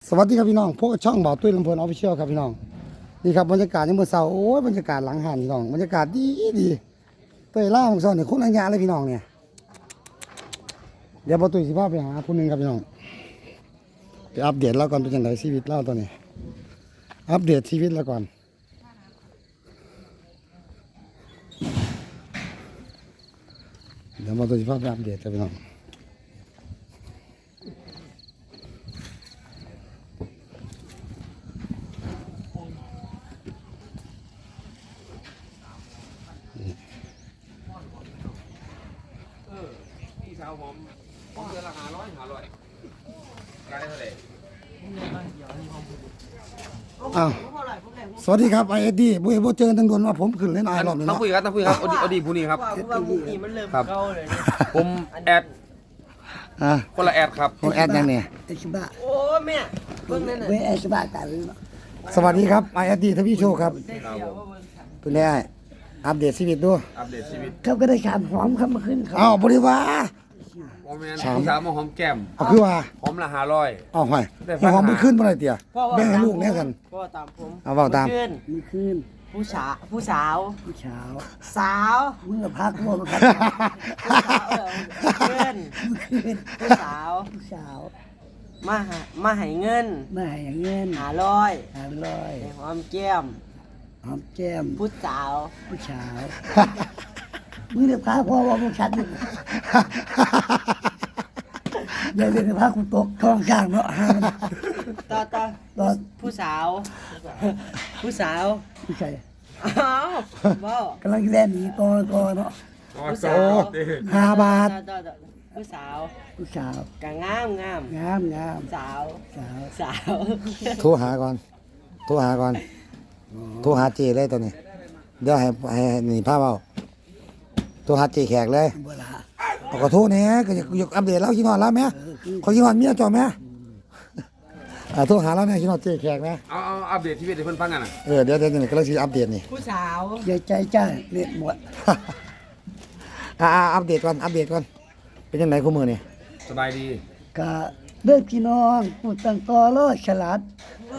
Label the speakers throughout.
Speaker 1: สวัสดีครับพี่น้องพวกช่องบ่าวตุ้ยลำเพลินออฟฟิเชียลครับพี่น้องนี่ครับบรรยากาศยังเมื่อเช้าโอ้ยบรรยากาศหลังหันพี่น้องบรรยากาศดีเตยล่าของซ้อนเนี่ยคนอัญญาเลยพี่น้องเนี่ยเดี๋ยวบ่าวตุ้ยสิพาไปหาผู้หนึงครับพี่น้องไปอัปเดตเราก่อนเป็นยังไงชีวิตเราตอนนี้อัปเดตชีวิตเราก่อนเดี๋ยวบ่าวตุ้ยสิพาไปอัปเดตครับพี่น้อง
Speaker 2: พี่สาวผมเดือนละ500กลายเท่าไหร่
Speaker 1: อ้าวสวัสดีครับไอเอ็ดดี้บุ้ยบ่เจอตั้งโดนว่าผมขึ้นเล่นไอรอบนี้
Speaker 2: ต้อง
Speaker 1: เนาะ
Speaker 2: คุยครับอดีผู้นี้ครับ
Speaker 3: ว่าพวกนี้มันเริ่มเข้าเลยเนี่ย
Speaker 2: ผมแอด
Speaker 1: อ่ะ
Speaker 2: คนละแอดครับ
Speaker 1: ของแอดยังเนี่ย
Speaker 4: เอชบะ
Speaker 3: โอ้แม่เบิ่งนั่นน่ะ
Speaker 4: เวเอชบะกัน
Speaker 1: สวัสดีครับไอเอ็ดดี้ทวีโชคครับ
Speaker 3: ได้เสียวว่าเบิ่งฉัน
Speaker 1: เป็นไงอัปเดตชีวิตดู
Speaker 2: อัปเดตชีวิต
Speaker 4: เขาก็ได้ขามหอมเข้ามาขึ้นเขา
Speaker 1: อ้าวบริวา
Speaker 2: โอ้แม่พี่สาวมาหอมแก้ม
Speaker 1: เอาคือว่า
Speaker 2: หอมละ500
Speaker 1: อ้าวห้อยให้หอมมันขึ้นบ่ได้เตี่ยแบ่งให้ลูกแน่กัน
Speaker 3: พ่อตามผม
Speaker 1: เอาเว้าตาม
Speaker 3: ขึ้น
Speaker 4: มีคืน
Speaker 3: ผู้สาวผู้สาว
Speaker 4: ผู้เช้า
Speaker 3: สาว
Speaker 4: เมื่อพักว่ามันพัก
Speaker 3: ผู้สาวขึ้นผู้สาว
Speaker 4: ผู้เช้า
Speaker 3: มาให้เงิน
Speaker 4: มาให้เงิน
Speaker 3: 500
Speaker 4: 500
Speaker 3: ให้หอมแก้ม
Speaker 4: หอมแก้ม
Speaker 3: ผู้สาว
Speaker 4: ผู้เช้ามึงเดือดพักเพราะว่ามึงชัดอย่าเรียนพักกูตกท้องข้างเนาะห้ามัน
Speaker 3: ต่อ
Speaker 4: ตอน
Speaker 3: ผู้สาว ผู้สาว
Speaker 4: ผู้ชาย
Speaker 3: อ้าวว้าว
Speaker 4: กำลังแล่นหนีตัวเนาะ
Speaker 3: ผู้สาว
Speaker 1: 5 บาท
Speaker 3: ต่อผู้สาว
Speaker 4: ผู้เช้าก
Speaker 3: ะงาม
Speaker 4: งาม
Speaker 3: สาว
Speaker 4: สาว
Speaker 3: สาว
Speaker 1: โทรหาก่อนโทรหาก่อนโทรหาเจเลยตอนนี้เดี๋ยวให้นี่พาเว้าโทรหาเจแขกเลย
Speaker 4: บ่ละ
Speaker 1: เอาก็โทรแหน่ก็อยากอัปเดตเราคิดฮอดแล้วแม่ขอคิดฮอดเมียจ่อแม่โทรหาแล้วเนี่ยคิดฮอดเจแขกนะ
Speaker 2: เอาอัปเดตชีวิตให้เพิ่นฟังกันน่ะ
Speaker 1: เดี๋ยวนี่กำลังสิอัปเดตนี่
Speaker 3: ผู้สาว
Speaker 4: อย่าใจจ้าเน็ตหมด
Speaker 1: อัปเดตก่อนเป็นยังไงคู่มือนี่
Speaker 2: สบายดี
Speaker 4: ก็เด้อพี่น้องผู้ตั้งต่อรอฉลาด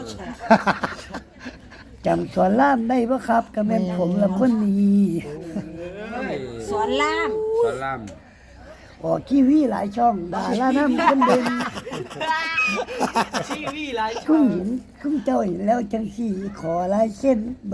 Speaker 4: จำสอนล่ามได้บ่ครับก็แม่นผมละคนนี้
Speaker 3: สวนล่าม
Speaker 2: สอนล่าม
Speaker 4: ออกทีวีหลายช่องดาราน้ำคนเด่น
Speaker 3: ชีวีหลาย
Speaker 4: คุณเห็นคุณเจ้าเห็นแล้วจังสี่ขอลายเส้นบ่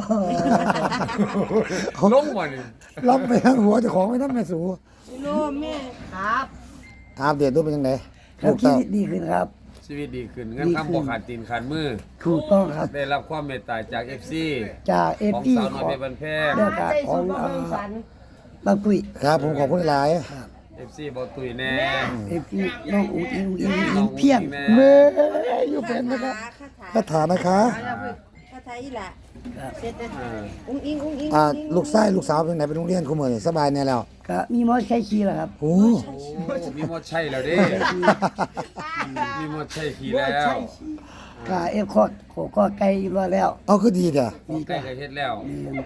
Speaker 2: ลงบ่นี่
Speaker 1: ล็อกไปทั้งหัวเจ้าของไม่ทำแม่สู
Speaker 3: โลแม่ครับ
Speaker 1: อัปเดตดูเป็นยังไง
Speaker 4: ครับชีวิตดีขึ้นครับ
Speaker 2: ชีวิตดีขึ้นเงินคำบ่ขาดตีนขาดมือ
Speaker 4: ถูกต้องครับ
Speaker 2: ได้รับความเมตตาจาก FC
Speaker 4: จากเอฟ
Speaker 2: ของ
Speaker 4: พี
Speaker 2: สาวน้
Speaker 4: ข
Speaker 2: อย
Speaker 4: อ
Speaker 2: เพ
Speaker 4: ง
Speaker 2: ชรบันแพง
Speaker 4: เรื่องการ
Speaker 3: ได้
Speaker 4: ขอ
Speaker 3: สุ
Speaker 4: ง
Speaker 3: ขภาพสัน
Speaker 4: บางปุ้ย
Speaker 1: ครับผมขอบคุณหลาย
Speaker 2: FC บ่ตุยแน่
Speaker 4: เอฟพีน้องอุ้งอิงเพียง
Speaker 2: แน่
Speaker 1: เมื่ออยู่เป็นนะครับคาถานะคะ
Speaker 5: ภาษาอีหละ
Speaker 3: เสร็จแล้ว
Speaker 2: เออ
Speaker 5: อุ้งอิงอุ้งอิง
Speaker 1: ลูกชายลูกสาวเป็นไหนไปโรงเรียนคู่มือนี่สบายแน่แล้ว
Speaker 4: ก็มีมอใช้ขี่แล้วครับ
Speaker 1: โอ้
Speaker 2: โอ้มีหมดใช่แล้วเด้มีหมดใช่ขี่แล้ว
Speaker 4: ก็เอฟคอดโขก็ไกลอยู่แล้ว
Speaker 1: เอาคือดีเด้อ
Speaker 2: ของใกล้ก็เฮ็ดแล้ว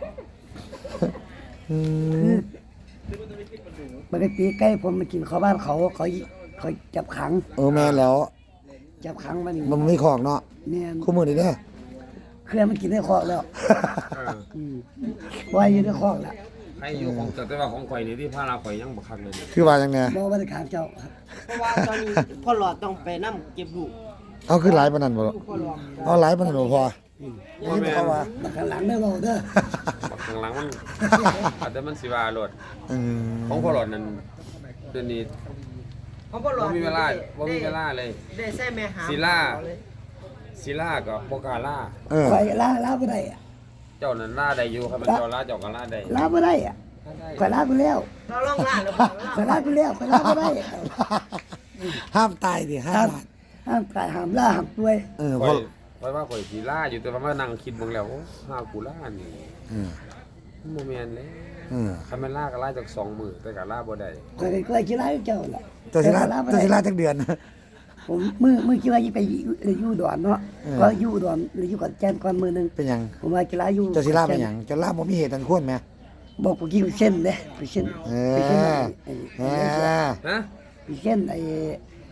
Speaker 4: มันได้ปีใกล้ผมมากินข้าวบ้านเขาจับขัง
Speaker 1: แม่แล้ว
Speaker 4: จับขังมัน
Speaker 1: มันไม่ของเนาะ
Speaker 4: เนี่ย
Speaker 1: คู่มือนี่เด้อ
Speaker 4: เครื่องมันกินได้คอกแล้ว
Speaker 2: เออ
Speaker 4: ไว้อยู่ได้คอกแล้ว
Speaker 2: ให้อยู่ของแต่ว่าของข่อยนี่ที่พาราข่อยยังบ่คักเลยเนี่ย
Speaker 1: คือว่าจังไง
Speaker 4: บอกว่าได้ขางเจ้าครับ
Speaker 3: เพราะว่าตอนนี้พ่อหลอดต้องไปนํเก็บลูก
Speaker 1: เอาคือหลายปานนั้นบ่
Speaker 3: ลูกพ่อหลอด
Speaker 1: เอาหลายปานนั้นบ่พอ
Speaker 2: ว่าแม่น
Speaker 4: บักข้างหลังได้บอกเด้อ
Speaker 2: บักข้างหลังมันอาจจะมันสิว่าโลด
Speaker 1: อืม
Speaker 2: ของพ่อหลอดนั้นเดี๋ยวนี้
Speaker 3: ของพ่อหลอ
Speaker 2: บ่
Speaker 3: ด
Speaker 2: มีเวลาบ่มีเวลาเลย
Speaker 3: ได้ใส่แม่หา
Speaker 2: ศิลา ศิลาก็บ่กล้าล่า
Speaker 4: ไฟลาบ่ได้อะ
Speaker 2: เจ้านั้นล่าได้อยู่ครับมันเจ้าล่าเจ้าก็ล่าได้
Speaker 4: ลาบ่ได้อะไฟลาไปแล้ว
Speaker 3: เราลองล่าหรือเปล่า
Speaker 4: ไฟลาไปแล้วไฟลาบ่ได้
Speaker 1: ห้ามตายดิห้า
Speaker 4: ห้าม
Speaker 1: บาท
Speaker 4: ห้ามกายห้ามล่าห้ามป่วย
Speaker 2: ข่
Speaker 1: พ
Speaker 2: อ
Speaker 1: อย
Speaker 2: ข่อยว่าข่อยสิล่าอยู่แต่ว่ามานั่งคิดเบิ่งแล้วโอ้ห้ากูล่านี่
Speaker 1: อืม
Speaker 2: บ่แม่นเลย
Speaker 1: อืม
Speaker 2: คันแม่นล่าก็ล่าจาก2มื้อแต่ก็ล่าบ่ได้
Speaker 4: ก็เลยก็คิดลาเจ้าล่ะ
Speaker 1: ตัวศิลา
Speaker 4: แต่บ่
Speaker 1: ตัว
Speaker 4: ได้
Speaker 1: ศิลาจักเดือน
Speaker 4: ผมมือคิดว่าไปอยู่ดอนเนาะก็อยู่ดอนหรืออยู่กับแจนก่อนมือนึง
Speaker 1: เป็นหยัง
Speaker 4: ผมว่ากีฬาอยู่
Speaker 1: เจ้าศิลาเป็นหยังเจ้าลาบ่มีเหตุอันควรแหม
Speaker 4: บอกกูกินเส้นเด้ไปเส้น
Speaker 1: เอ
Speaker 4: ไปเส้น
Speaker 1: อเออ
Speaker 2: ฮะ
Speaker 4: ไปเส้น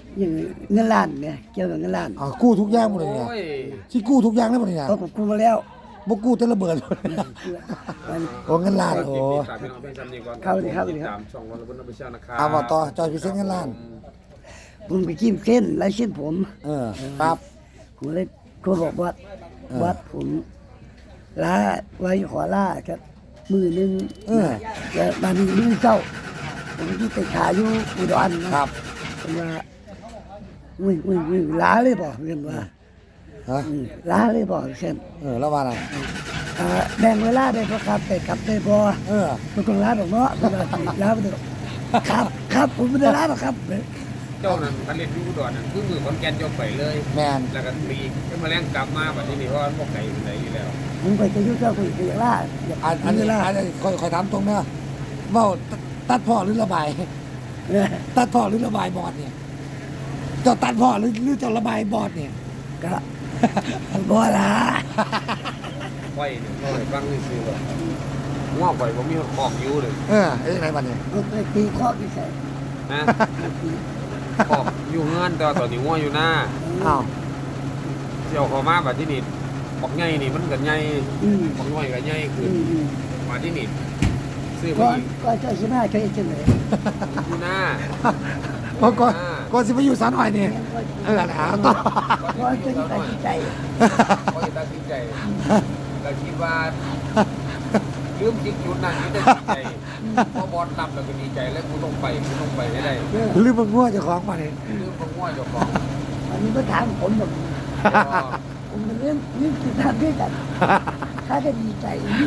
Speaker 4: อย่างเงินล้านเนี่ยเกี่ยวกับเงินล้าน
Speaker 1: อ๋อกู้ทุกอย่างหมดเลยเนี่ย
Speaker 2: โอ้ย
Speaker 1: สิกู้ทุกอย่างแล้วหมดเลยเนี่ย
Speaker 4: ก็ผมกู้มาแล้ว
Speaker 1: บ่กู้แต่ระเบิด
Speaker 4: มัน
Speaker 1: โอ้เงินล้านโอ้
Speaker 2: ฝากพี่น้องเพื่อนซ้ำนี่ก่อน
Speaker 4: เข้าเลยครับ
Speaker 2: ตามช่องวันละบนน้ำไปเชี่ยวนะครับ
Speaker 1: เอามาต่อจอยพิเศษเงินล้าน
Speaker 4: ผมไปจิ้มเส้นไล่เส้นผม
Speaker 1: ปั๊บ
Speaker 4: ผมเลยโทรบอกว่าวัดผมลาไว้ขอลาครับมือหนึงแต่บางทีมือเจ้าผมที่ไปขายอยู่อุดรนะครับ ผมว่าอุ้ยลาเลยบอกเพื่อนว่า
Speaker 1: ฮะ
Speaker 4: ลาเลยบอกเช่น
Speaker 1: แล้วว่าอะไร
Speaker 4: แบ่งเวลาได้พอครับแต่กลับได้พอ
Speaker 1: เออ
Speaker 4: มันต้องลาดอกเนาะเวลาสิลาไปเถอะครับผมไม่ได้ลาหรอกครับ
Speaker 2: เจ้านั้นคันเล่นอยูอุดรนั่นคือมือขอนแก่นยกไปเลย
Speaker 1: แมน
Speaker 2: แล้วก็ปีกก็มาแรงกลับมาแบบนี้นี่เพราะว่าพวกไก่มันไหนอยู่แล้ว
Speaker 4: ผมไปจะยุ่งเจ้าคุยกับลาอยาก
Speaker 1: อันนี้
Speaker 4: ลา
Speaker 1: อันนี้คอยถามตรงนะเว้าตัดพ่อหรือระบาย ตัดพ่อหรือระบายบอดเนี่ยเจ้าตัดพ่อหรือเจ้าระบายบอดเนี่ย
Speaker 4: ก็บ่ละ
Speaker 2: ไฟเนี่ยเราให้ฟังนี่ซื้อแบบง้อไฟผมมีคอกอยู่เลย
Speaker 1: ไอ้ยังไงบัดเนี่ย
Speaker 4: เอาไปตีข้อที่ใส่
Speaker 2: นะคอกอยู่เงื่อนแต่ว่าตอนนี้ง้ออยู่หน้า
Speaker 1: อ้าว
Speaker 2: เจ้าเขามาแบบที่นี่บอกไงนี่มันกันไง
Speaker 4: อืม
Speaker 2: บอกน้อยกันไงคือ
Speaker 4: อืม
Speaker 2: มาที่นี่ซื้อ
Speaker 4: ก่
Speaker 2: มา
Speaker 4: อน
Speaker 2: อีก
Speaker 4: ก็เจ้าชนะใช่จังเลย
Speaker 2: อยู่หน้า
Speaker 1: ก่อนสิไปอยู่สารหน่อยเนี่ยแล้วต่อ
Speaker 4: ก่อนจะตัดสินใจ
Speaker 2: เขาจะตัดสินใจก็คิดว่าลืมจิตจุดนั้นนี่จะดีใจพอบอลนำแล้วก็ดีใจแล้วกูต้องไปให้ได้
Speaker 1: ลืมมันง่วงเจ้าของมาเนี่ย
Speaker 2: ลืมของง้อเจ้าของ
Speaker 4: อันนี้ก็ถามผมแบบผมเป็นเรื่องที่ทำด้วยกันถ้าจะดีใจนี่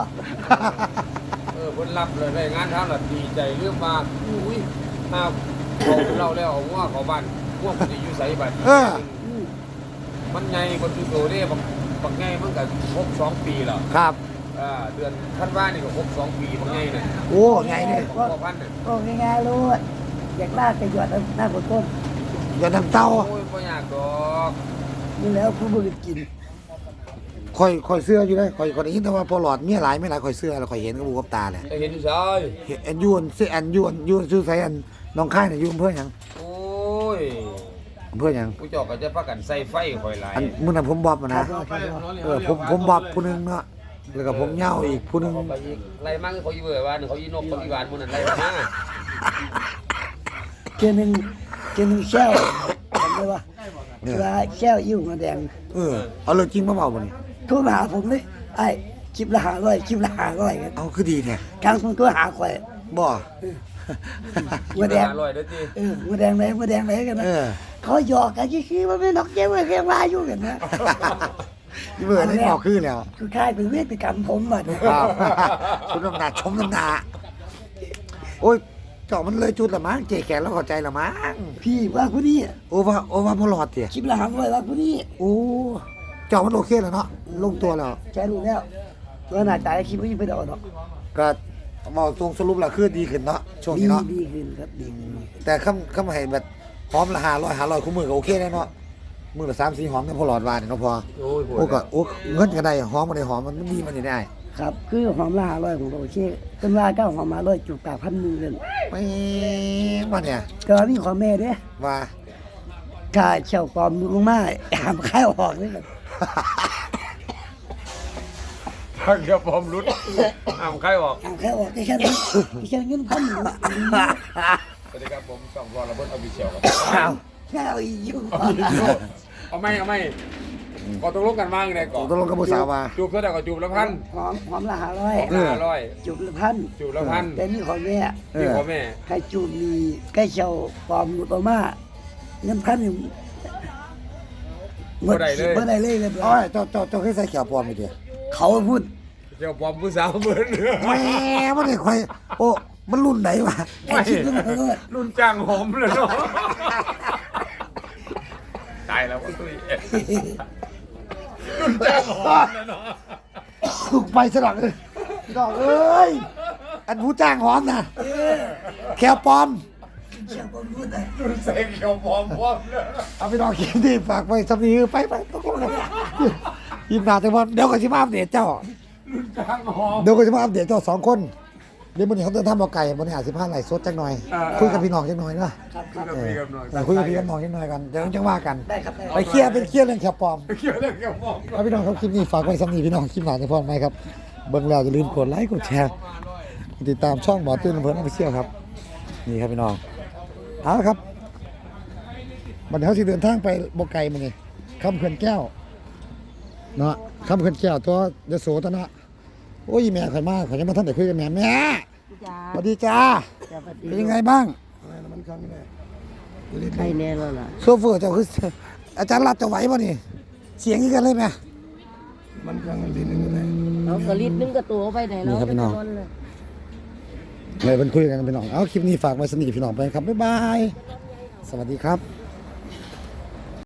Speaker 2: คนรับเลยได้งานทำแบบดีใจเรื่องมาอุ้ยถ้าเราแล้วเอาง้อเขาบ้านง้อมันจะอยู่ใส่บัตรมันไงคนที่โตเนี่ยบางไงมันก็ครบ2 ปีแล้ว
Speaker 1: ครับ
Speaker 2: เดือนท่านว่านี่ก็ครบ2 ปีบางไงเนี่ย
Speaker 1: โอ้ไงเนี่ย
Speaker 2: พ่อพันเนี่ย
Speaker 4: ก็ง่ายๆรู้อยากลากไปหยอดหน้าคนต้น
Speaker 1: อย่าทำเต้า
Speaker 2: โอ้ยไม่อยากดอก
Speaker 4: นี่แล้วผู้บริกิน
Speaker 1: คอยเสื้ออยู่เลยคอยได้ยินแต่ว่าพอหลอดเมียหลายไม่หลายคอยเสื้อแล้วคอยเห็นกับบูกับตาเลย
Speaker 2: เห็นอยู่ใช่
Speaker 1: เห็นยวนเสื้อยวนชื่อไสอันน้องค่ายเนี่ยยุ่อำเพื่อหยัง
Speaker 2: โอ้ย
Speaker 1: อำเพื่อหยัง
Speaker 2: ผู้เจอกก็จะพักกันใส่ไฟคอยไหลาย
Speaker 1: อันมื้อนั้นผมบอบมานะผมบอบผู้หนึงเนาะแล้วก็ผมเหย้าอีกผู้หนึง
Speaker 2: เขาไปอีกไล่มากเขาอีเบื่อว่าเขาอีนกเขาอีหวานมันนั่นไล่มา
Speaker 4: เกนึงแช่วทำได้ปะเวลาแช่วอิ่วมาแดง
Speaker 1: เอาเลยจริงมาเบาบ่นี่
Speaker 4: โทรมาหาผมเลยไอ้คลิปละ500คลิปละ500กัน
Speaker 1: เอาคือดีแท้
Speaker 4: กลางคนตัวหาข่อย
Speaker 1: บ่
Speaker 4: หัวแดง
Speaker 2: อร่อยเด้อจี
Speaker 4: หัวแดงไหนกันนะเขาหยอกกันชี้ว่าไม่นกเจ้าเรียงว่าอยู่กันนะ
Speaker 1: นี่เบื่อได้บอกคือแล้ว
Speaker 4: คือค่ายเป็นเวทกรรมผมอ่ะ
Speaker 1: ครับคุณน้ำหนักชมน้ำหนักโอ้ยเจาะมันเลยจุดละมั้งเจ๊แขนแล้วเข้าใจละมั้ง
Speaker 4: พี่ว่าผู้นี้
Speaker 1: โอ้ว่าพอหลอดเถี่ย
Speaker 4: คลิปละ500ว่าผู้นี้
Speaker 1: โอ้เจาะมันโอเคแล้วเนาะลงตัวแล้ว
Speaker 4: แชร์รู้แล้วว่าหน้าตาคลิปไม่ไปดอกเนาะ
Speaker 1: ก็มองตรงสรุปแล้วคือดีขึ้นเนาะช่วงนี้เนาะ
Speaker 4: ดีขึ้นครับดีขึ้น
Speaker 1: แต่คำให้แบบหอมละ500คู่มือก็โอเคได้เนาะมือละ3-4หอมเนี่ยพอหลอดวานเนาะพอ
Speaker 2: โอ้ย
Speaker 1: โอ้ก็โอ้เงินก็ได้หอมก็ได้หอมมันดีมันได้
Speaker 4: ครับคือหอมละ500ผมก็โอเคต้นว่าก็หอมมา100จุกปาก1,000นึงเลย
Speaker 1: ไม่มาเนี่ย
Speaker 4: ก็มีขอแม่เด้
Speaker 1: ว่า
Speaker 4: ถ้าเช่าปลอมลงมาหามข้าวออกเลยครับ
Speaker 2: ถ้าเกี่ยวผมรุดอ้าวใครบอก
Speaker 4: หามข้าวออกแค่นั้นแค่เงิน1,000
Speaker 2: สวัสดีครับผมช่องวอลระเบิดออฟฟิเชียลครับ
Speaker 4: ข้าวอีกอยู่
Speaker 2: เอาไม่ก็ตกลงกันว่าอย่างไรก่อน
Speaker 1: ตกลงกับผู้สาวว่า
Speaker 2: จูบเท่าไหร่ก็จูบละพัน
Speaker 4: หอมละ
Speaker 2: 500
Speaker 4: จุบละพัน
Speaker 2: จูบละพัน
Speaker 4: แต่นี่ขอแม่
Speaker 2: พี่พ่อแม่
Speaker 4: ใครจูบมีใกล้เช่าปลอมหลุดออกมาเงิน1,000นี่บ่ได้เลย
Speaker 1: โอ้ยเจ้าเคยใส่เขียวปลอมอีเดีย
Speaker 4: เขาพูด
Speaker 2: เจ้าปอมผู้สาวเบิร์น
Speaker 1: แหมมันได้ค่อยโอ้มันรุ่นไหนวะ
Speaker 4: ไอ้คิดขึ้นมาเลย
Speaker 2: รุ่นจ้างหอมเลยเนาะตายแล้วก็ตุ้ยรุ่นจ้างหอมเลยเนาะ
Speaker 1: ถูกไปสลักเลยดอกเอ้ยอันผู้จ้างหอมนะแควปลอม
Speaker 4: เชื่อผมพูดอ่ะ
Speaker 2: รุ่นเซ็งเขียวปอมเลย
Speaker 1: เอาไปดอกเขียนที่ฝากไว้สำนีไปตกลงกันยิมนาแต่ว่าเดี๋ยวก็สิมาอัปเดตเจ้า
Speaker 2: รุ่นจ้างหอม
Speaker 1: เดี๋ยวก็สิมาอัปเดตเจ้า2 คนเดี๋ยวมื้อนี้เขาจะทำเอาไก่บ่ได้อาจสิพาไหลสดจักหน่อยคุยกับพี่น้องจักหน่อยเนาะ
Speaker 4: ครับครับ
Speaker 1: คุยกับพี่น้องจักหน่อยกันเดี๋ยวจังว่ากัน
Speaker 4: ได้ครับได้
Speaker 1: ไปเคลียร์เป็นเคลียร์เรื่องแคปปลอม
Speaker 2: เกี่ยวเรื่องกับมอง
Speaker 1: เอาพี่น้องครับคลิปนี้ฝากไว้สำหรับพี่น้องคลิปหน้าจะพอไหมครับเบิ่งแล้วอย่าลืมกดไลค์กดแชร์ติดตามช่องหมอตื้นลำเพลินออฟฟิเชียลครับนี่ครับพี่น้องเอาละครับบัดนี้เขาสิเดินทางไปบ่ไกลมื้อนี้คำเขื่อนแก้วเนาะคำเขื่อนแก้วตัวยโสธนะโอ้ยแม่ข่อยมาข่อยยังมาทันได้คุยกับแม่แม่
Speaker 3: จ้า
Speaker 1: สวัสดีจ้า
Speaker 3: สวัสดี
Speaker 1: เป็นยังไงบ้าง
Speaker 3: ใครแน่แล้วล่ะ
Speaker 1: โซเฟอร์เจ้าคืออาจารย์รัดจะไหวป่ะนี่เสียงนี้กันเลยไหม
Speaker 3: เอากระลิดนึงก็ตัวไปไหนแล้ว
Speaker 1: นี่ครับพี่น้อง
Speaker 3: ไปเลย
Speaker 1: เลยเป็นคุยกันพี่น้องเอาคลิปนี้ฝากไว้สนิทพี่น้องไปครับบ๊ายบายสวัสดีครับ